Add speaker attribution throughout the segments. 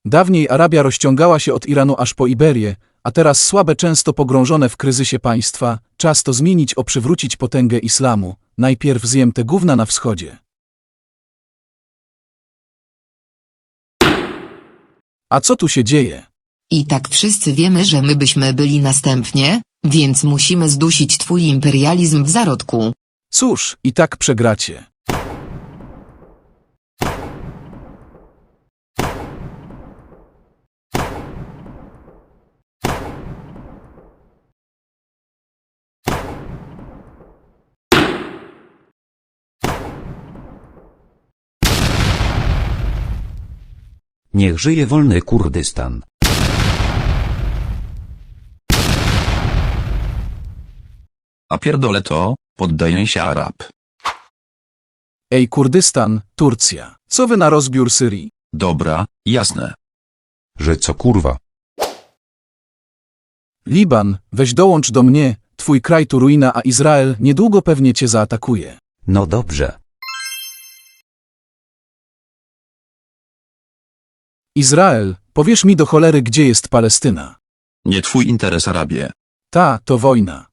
Speaker 1: Dawniej Arabia rozciągała się od Iranu aż po Iberię, a teraz słabe, często pogrążone w kryzysie państwa. Czas to zmienić, przywrócić potęgę islamu. Najpierw zjem te gówna na wschodzie. A co tu się dzieje?
Speaker 2: I tak wszyscy wiemy, że my byśmy byli następnie, więc musimy zdusić twój imperializm w zarodku.
Speaker 1: Cóż, i tak przegracie.
Speaker 3: Niech żyje wolny Kurdystan.
Speaker 4: A pierdolę to, poddaję się Arab.
Speaker 1: Ej, Kurdystan, Turcja. Co wy na rozbiór Syrii?
Speaker 4: Dobra, jasne.
Speaker 5: Że co kurwa?
Speaker 1: Liban, weź dołącz do mnie, twój kraj tu ruina, a Izrael niedługo pewnie cię zaatakuje.
Speaker 3: No dobrze.
Speaker 1: Izrael, powiesz mi do cholery, gdzie jest Palestyna?
Speaker 4: Nie twój interes, Arabie.
Speaker 1: Ta, to wojna.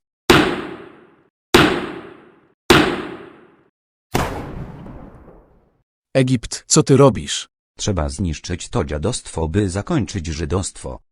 Speaker 1: Egipt, co ty robisz?
Speaker 3: Trzeba zniszczyć to dziadostwo, by zakończyć żydostwo.